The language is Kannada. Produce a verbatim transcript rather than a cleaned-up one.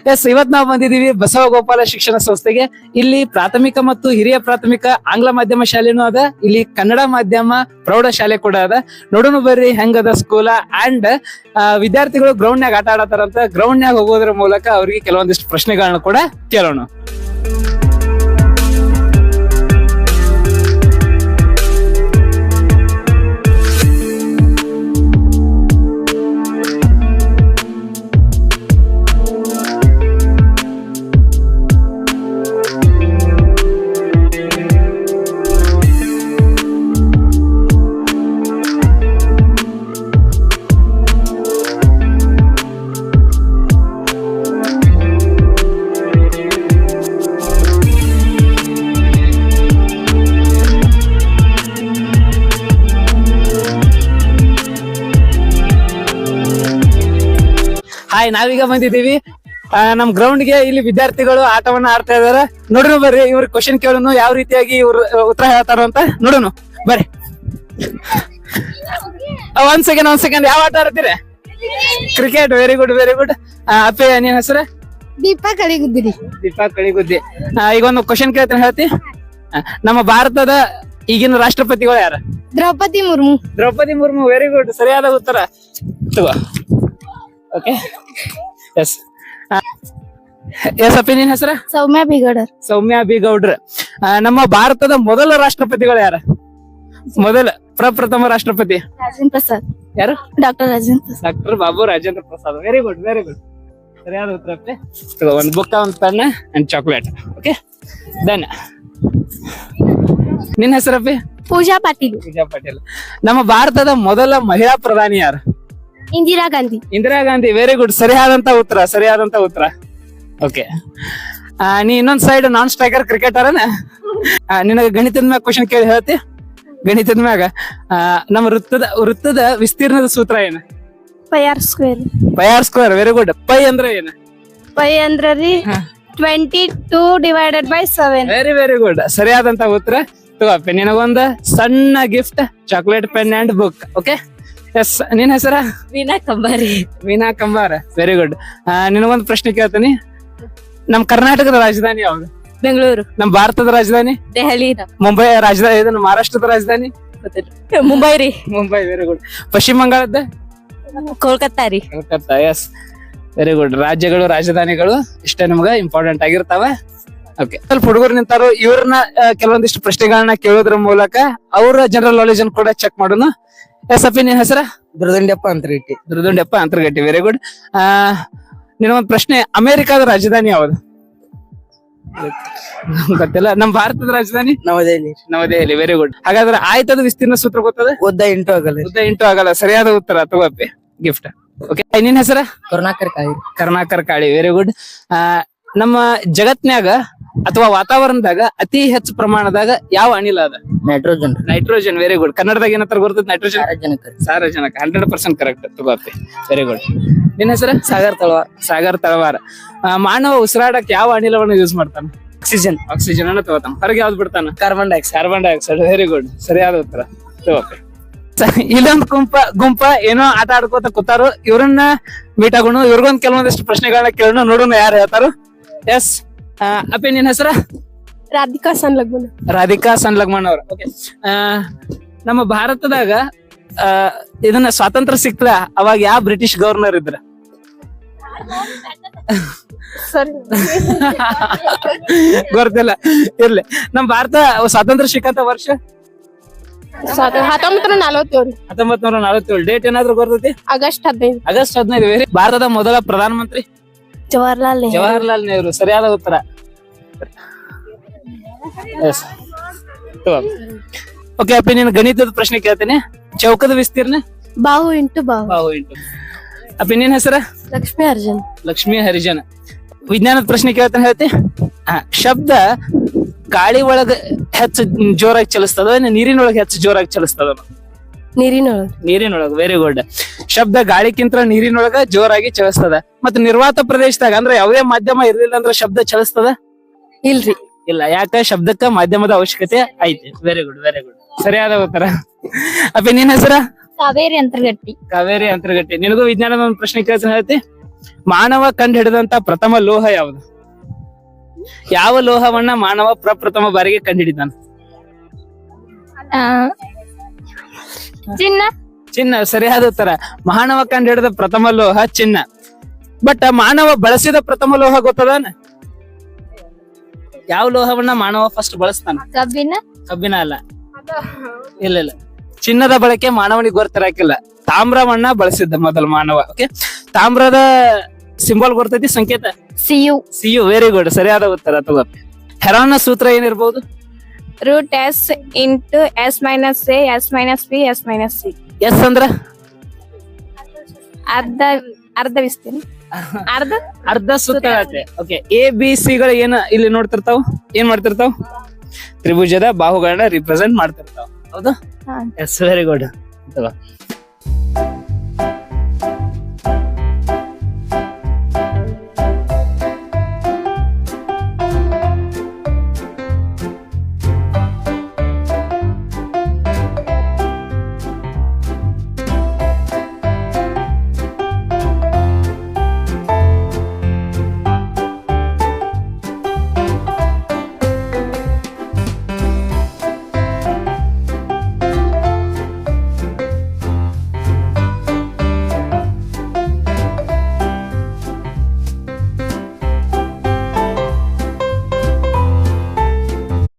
ಎಸ್, ಇವತ್ ನಾವು ಬಂದಿದೀವಿ ಬಸವಗೋಪಾಲ ಶಿಕ್ಷಣ ಸಂಸ್ಥೆಗೆ. ಇಲ್ಲಿ ಪ್ರಾಥಮಿಕ ಮತ್ತು ಹಿರಿಯ ಪ್ರಾಥಮಿಕ ಆಂಗ್ಲ ಮಾಧ್ಯಮ ಶಾಲೆನೂ ಅದ, ಇಲ್ಲಿ ಕನ್ನಡ ಮಾಧ್ಯಮ ಪ್ರೌಢ ಶಾಲೆ ಕೂಡ ಅದ. ನೋಡೋಣ ಬರ್ರಿ ಹೆಂಗದ ಸ್ಕೂಲ. ಅಂಡ್ ವಿದ್ಯಾರ್ಥಿಗಳು ಗ್ರೌಂಡ್ ನಾಗ ಆಟ ಆಡತಾರಂತ. ಗ್ರೌಂಡ್ ನಾಗ ಹೋಗೋದ್ರ ಮೂಲಕ ಅವ್ರಿಗೆ ಕೆಲವೊಂದಿಷ್ಟು ಪ್ರಶ್ನೆಗಳನ್ನ ಕೂಡ ಕೇಳೋಣ. ಹಾಯ್, ನಾವೀಗ ಬಂದಿದ್ದೀವಿ ನಮ್ ಗ್ರೌಂಡ್ ಗೆ. ಇಲ್ಲಿ ವಿದ್ಯಾರ್ಥಿಗಳು ಆಟವನ್ನ ಆಡ್ತಾ ಇದಾರೆ. ನೋಡೋಣ ಬರ್ರಿ ಇವ್ರ ಕ್ವಶನ್ ಕೇಳೋಣ, ಯಾವ ರೀತಿಯಾಗಿ ಇವ್ರು ಉತ್ತರ ಹೇಳ್ತಾರ ಅಂತ ನೋಡೋಣ ಬರ್ರಿ. ಒಂದ್ ಸೆಕೆಂಡ್ ಒಂದ್ ಸೆಕೆಂಡ್ ಯಾವ ಆಟ ಆಡ್ತೀರಿ? Cricket. Very good very good. ಅಪ್ಪೆ, ನಿನ್ ಹೆಸರು? ದೀಪಾ ಕಳಿಗುದ್ದಿ. ದೀಪಾ ಕಳಿಗುದ್ದಿ. ಈಗ ಒಂದು ಕ್ವಶನ್ ಕೇಳ್ತೀನಿ, ಹೇಳ್ತಿ? ನಮ್ಮ ಭಾರತದ ಈಗಿನ ರಾಷ್ಟ್ರಪತಿಗಳು ಯಾರ? ದ್ರೌಪದಿ ಮುರ್ಮು. ದ್ರೌಪದಿ ಮುರ್ಮು. ವೆರಿ ಗುಡ್, ಸರಿಯಾದ ಉತ್ತರ. ತಗೋ. ಓಕೆ, ಎಸ್ ಎಸ್ ಅಪ್ಪಿ, ನಿನ್ ಹೆಸರ? ಸೌಮ್ಯ ಬಿಗಡರ್. ಸೌಮ್ಯ ಬಿ ಗೌಡ್ರ. ನಮ್ಮ ಭಾರತದ ಮೊದಲ ರಾಷ್ಟ್ರಪತಿಗಳು ಯಾರ? ಮೊದಲ ಪ್ರಪ್ರಥಮ ರಾಷ್ಟ್ರಪತಿ ರಾಜೇಂದ್ರ ಪ್ರಸಾದ್. ಯಾರು? Doctor Rajendra Prasad. Doctor Babu Rajendra Prasad. Very good very good, ಸರಿಯಾದ ಉತ್ತರ ಅಪ್ಪಿ. ಒಂದ್ ಬುಕ್, ಒಂದ್ pen and chocolate. Okay, done. ನಿನ್ ಹೆಸರಪ್ಪಿ? ಪೂಜಾ ಪಾಟೀಲ್. ಪೂಜಾ ಪಾಟೀಲ್. ನಮ್ಮ ಭಾರತದ ಮೊದಲ ಮಹಿಳಾ ಪ್ರಧಾನಿ ಯಾರು? ಇಂದಿರಾ ಗಾಂಧಿ. ಇಂದಿರಾ ಗಾಂಧಿ. ವೆರಿ ಗುಡ್, ಸರಿಯಾದಂತ ಉತ್ತರ ಸರಿಯಾದಂತ ಉತ್ತರ. ಓಕೆ, ನೀ ಇನ್ನೊಂದ್ ಸೈಡ್ ನಾನ್ ಸ್ಟ್ರೈಕರ್ ಕ್ರಿಕೆಟರ್ನ. ನಿನಗೆ ಗಣಿತದ ಮ್ಯಾಗ ಕ್ವಶನ್ ಕೇಳಿ ಹೇಳ್ತಿ? ಗಣಿತದ ಮ್ಯಾಗ ನಮ್ಮ ವೃತ್ತದ ವೃತ್ತದ ವಿಸ್ತೀರ್ಣದ ಸೂತ್ರ ಏನು? Pi R square. Pi R square. Very good. Pi ಅಂದ್ರೆ ಏನು? ಪೈ ಅಂದ್ರ ರೀ twenty two divided by seven. Very very good, ಸರಿಯಾದಂತ ಉತ್ತರ. ತಗೋಪ್ಪ, ನಿನಗೊಂದು ಸಣ್ಣ gift, chocolate, pen and book. Okay, yes. ನಿನ್ ಹೆಸರ? ವೀಣಾ ಕಂಬಾರಿ. ವೀಣಾ ಕಂಬಾರ. Very good. ನಿನಗೊಂದು ಪ್ರಶ್ನೆ ಕೇಳ್ತೀನಿ. ನಮ್ ಕರ್ನಾಟಕದ ರಾಜಧಾನಿ ಯಾವ್ದು? ಬೆಂಗಳೂರು. ನಮ್ ಭಾರತದ ರಾಜಧಾನಿ? ದೆಹಲಿ. ಮುಂಬೈ ರಾಜಧಾನಿ. ಇದನ್ನು ಮಹಾರಾಷ್ಟ್ರದ ರಾಜಧಾನಿ? ಮುಂಬೈ ರೀ. ಮುಂಬೈ. Very good. ಪಶ್ಚಿಮ ಬಂಗಾಳದ? ಕೋಲ್ಕತ್ತಾ ರೀ. ಕೋಲ್ಕತ್ತಾ. Yes, very good. ರಾಜ್ಯಗಳು ರಾಜಧಾನಿಗಳು ಇಷ್ಟೇ ನಮ್ಗ ಇಂಪಾರ್ಟೆಂಟ್ ಆಗಿರ್ತಾವ. ಓಕೆ, ಸ್ವಲ್ಪ ಹುಡುಗರು ನಿಂತಾರು. ಇವ್ರನ್ನ ಕೆಲವೊಂದಿಷ್ಟು ಪ್ರಶ್ನೆಗಳನ್ನ ಕೇಳೋದ್ರ ಮೂಲಕ ಅವರ ಜನರಲ್ ನಾಲೆಜ್ ಅನ್ನು ಕೂಡ ಚೆಕ್ ಮಾಡೋಣ. ಎಸ್ ಅಪ್ಪಿ, ನಿನ್ ಹೆಸರ? ದುರ್ದಂಡ್ಯಪ್ಪ ಅಂತರ್ಗಟ್ಟಿ. ದುರ್ದುಂಡೆಪ್ಪ ಅಂತರ್ಗಟ್ಟಿ. Very good. ಆ ನಿನಗೊಂದು ಪ್ರಶ್ನೆ, ಅಮೆರಿಕಾದ ರಾಜಧಾನಿ ಯಾವುದು? ಗೊತ್ತಿಲ್ಲ. ನಮ್ ಭಾರತದ ರಾಜಧಾನಿ? ನವದೆಹಲಿ. ನವದೆಹಲಿ. Very good. ಹಾಗಾದ್ರೆ ಆಯ್ತದ ವಿಸ್ತೀರ್ಣ ಸೂತ್ರ ಗೊತ್ತದ? ಉದ್ದ ಇಂಟು ಆಗಲ್ಲ. ಉದ್ದ ಇಂಟು ಆಗಲ್ಲ. ಸರಿಯಾದ ಉತ್ತರ. ತಗೋಪ್ಪಿ, ಗಿಫ್ಟ್. ಓಕೆ, ನಿನ್ ಹೆಸರ? ಕರುಣಾಕರ್ ಕಾಯಿ. ಕರ್ನಾಕರ್ ಕಾಳಿ. Very good. ಆ ನಮ್ಮ ಜಗತ್ನ್ಯಾಗ ಅಥವಾ ವಾತಾವರಣದಾಗ ಅತಿ ಹೆಚ್ಚು ಪ್ರಮಾಣದಾಗ ಯಾವ ಅನಿಲ ಅದ? ನೈಟ್ರೋಜನ್. ನೈಟ್ರೋಜನ್. Very good. ಕನ್ನಡದಾಗ ಏನಂತ ಬರ್ತದೆ? ನೈಟ್ರೋಜನ್. ಸಾರಜನಕ. ಸಾರಜನಕ. Hundred percent correct. ತಗೋಪ್ಪಿ, ವೆರಿ ಗುಡ್. ನಿನ್ ಹೆಸರ? ಸಾಗರ್ ತಳವಾರ. ಸಾಗರ್ ತಳವಾರ. ಮಾನವ ಉಸಿರಾಡಕ್ ಯಾವ ಅನಿಲವನ್ನು ಯೂಸ್ ಮಾಡ್ತಾನ? ಆಕ್ಸಿಜನ್. ಆಕ್ಸಿಜನ್ ಅನ್ನ ತಗೋತಾನ. ಹೊರಗೆ ಯಾವ್ದು ಬಿಡ್ತಾನ? Carbon dioxide. Carbon dioxide. Very good, ಸರಿಯಾದ ಉತ್ತರ. ತಗೋಪ್ಪಿ. ಇಲ್ಲೊಂದು ಗುಂಪ ಗುಂಪ ಏನೋ ಆಟ ಆಡ್ಕೋತ ಕೂತಾರು. ಇವ್ರನ್ನ ಮೀಟ್ ಆಗೋಣ. ಇವ್ರಿಗೊಂದ್ ಕೆಲವೊಂದಿಷ್ಟು ಪ್ರಶ್ನೆಗಳನ್ನ ಕೇಳೋಣ. ನೋಡೋಣ ಯಾರು ಹೇಳ್ತಾರು. ಎಸ್ ಅಪ್ಪಿ, ನಿನ್ ಹೆಸರ? ರಾಧಿಕಾ ಸನ್ಲಗ್ಮನ್. ರಾಧಿಕಾ ಸನ್ಲಗ್ಮನ್ ಅವ್ರ. ಓಕೆ, ನಮ್ಮ ಭಾರತದಾಗ ಆ ಇದನ್ನ ಸ್ವಾತಂತ್ರ್ಯ ಸಿಕ್ತ ಅವಾಗ ಯಾವ ಬ್ರಿಟಿಷ್ ಗವರ್ನರ್ ಇದ್ರ? ಸರಿ, ಗೊತ್ತಿಲ್ಲ. ಇರ್ಲಿ. ನಮ್ ಭಾರತ ಸ್ವಾತಂತ್ರ್ಯ ಸಿಕ್ಕಂತ ವರ್ಷ? ಹತ್ತೊಂಬತ್ತರ ನಲವತ್ತೇಳು. ಹತ್ತೊಂಬತ್ ನೂರ ನಲವತ್ತೇಳು. ಡೇಟ್ ಏನಾದ್ರು ಗೊತ್ತೈತಿ? ಆಗಸ್ಟ್ ಹದಿನೈದು. ಆಗಸ್ಟ್ ಹದಿನೈದು. ವೆರಿ. ಭಾರತದ ಮೊದಲ ಪ್ರಧಾನಮಂತ್ರಿ? ಜವಾಹರ್ಲಾಲ್ ನೆಹರು. ಜವಾಹರ್ಲಾಲ್ ನೆಹರು. ಸರಿಯಾದ ಉತ್ತರ. ಓಕೆ ಅಪ್ಪಿ, ನೀನು ಗಣಿತದ ಪ್ರಶ್ನೆ ಕೇಳ್ತೇನೆ. ಚೌಕದ ವಿಸ್ತೀರ್ಣ? ಬಾಹು ಇಂಟು ಬಾಹು. ಬಾಹು ಇಂಟು. ಅಪ್ಪಿ, ನಿನ್ ಹೆಸರ? ಲಕ್ಷ್ಮೀ ಅರ್ಜುನ್. ಲಕ್ಷ್ಮೀ ಹರಿಜನ್. ವಿಜ್ಞಾನದ ಪ್ರಶ್ನೆ ಕೇಳ್ತಾನೆ, ಹೇಳ್ತಿ? ಶಬ್ದ ಗಾಳಿ ಒಳಗ ಹೆಚ್ಚು ಜೋರಾಗಿ ಚಲಿಸ್ತದ, ನೀರಿನೊಳಗೆ ಹೆಚ್ಚು ಜೋರಾಗಿ ಚಲಿಸ್ತದ? ನೀರಿನೊಳಗ. ನೀರಿನೊಳಗ. Very good. ಶಬ್ದ ಗಾಳಿಕ್ಕಿಂತ ನೀರಿನೊಳಗ ಜೋರಾಗಿ ಚಲಿಸ್ತದ. ಮತ್ತೆ ನಿರ್ವಾತ ಪ್ರದೇಶದಾಗ ಅಂದ್ರೆ ಯಾವುದೇ ಮಾಧ್ಯಮ ಇರ್ಲಿಲ್ಲ ಅಂದ್ರೆ ಶಬ್ದ ಚಲಿಸ್ತದ? ಇಲ್ರಿ. ಇಲ್ಲ. ಯಾಕ? ಶಬ್ದಕ್ಕ ಮಾಧ್ಯಮದ ಅವಶ್ಯಕತೆ ಐತಿ. ವೆರಿ ಗುಡ್ ವೆರಿ ಗುಡ್, ಸರಿಯಾದ ಉತ್ತರ. ಅಪ್ಪಿ, ನಿನ್ ಹೆಸರ? ಕಾವೇರಿ ಅಂತರ್ಗಟ್ಟಿ. ಕಾವೇರಿ ಅಂತರ್ಗಟ್ಟಿ. ನಿನಗೂ ವಿಜ್ಞಾನದ ಒಂದು ಪ್ರಶ್ನೆ ಕೇಳ್ತೀನಿ, ಹೇಳ್ತಿ? ಮಾನವ ಕಂಡು ಹಿಡಿದಂತ ಪ್ರಥಮ ಲೋಹ ಯಾವುದು? ಯಾವ ಲೋಹವನ್ನ ಮಾನವ ಪ್ರಪ್ರಥಮ ಬಾರಿಗೆ ಕಂಡುಹಿಡಿದಾನ? ಚಿನ್ನ. ಚಿನ್ನ ಸರಿಯಾದ ಉತ್ತರ. ಮಾನವ ಕಂಡು ಹಿಡಿದ ಪ್ರಥಮ ಲೋಹ ಚಿನ್ನ. ಬಟ್ ಮಾನವ ಬಳಸಿದ ಪ್ರಥಮ ಲೋಹ ಗೊತ್ತದಾನ? ಯಾವ ಲೋಹವನ್ನ ಮಾನವ ಫಸ್ಟ್ ಬಳಸ್ತಾನ? ಕಬ್ಬಿನ. ಕಬ್ಬಿನ ಅಲ್ಲ, ಇಲ್ಲ ಇಲ್ಲ, ಚಿನ್ನದ ಬಳಕೆ ಮಾನವನಿಗೆ ಗೊತ್ತಿರಾಕಿಲ್ಲ. ತಾಮ್ರವನ್ನ ಬಳಸಿದ್ದ ಮೊದಲು ಮಾನವ. ಓಕೆ, ತಾಮ್ರದ ಸಿಂಬಲ್ ಗೊತ್ತೈತಿ, ಸಂಕೇತ ಸಿಯು. ಸಿಯು. ವೆರಿ ಗುಡ್, ಸರಿಯಾದ ಉತ್ತರ. ತಗೋ, ಹೆರಾನ್ನ ಸೂತ್ರ ಏನಿರ್ಬೋದು? Root S into S minus A S minus B S minus C. S ಅಂದ್ರ ಅರ್ಧ ಅರ್ಧ ವಿಸ್ತೀನಿ ಅರ್ಧ ಅರ್ಧ ಸೂತ್ರ. ಓಕೆ, ಎ ಬಿ ಸಿ ಗಳು ಏನ ಇಲ್ಲಿ ನೋಡ್ತಿರ್ತಾವ, ಏನ್ ಮಾಡ್ತಿರ್ತಾವ? ತ್ರಿಭುಜದ ಬಾಹುಗಳನ್ನ ರಿಪ್ರೆಸೆಂಟ್ ಮಾಡ್ತಿರ್ತಾವ. ಹೌದಾ? Yes, very good.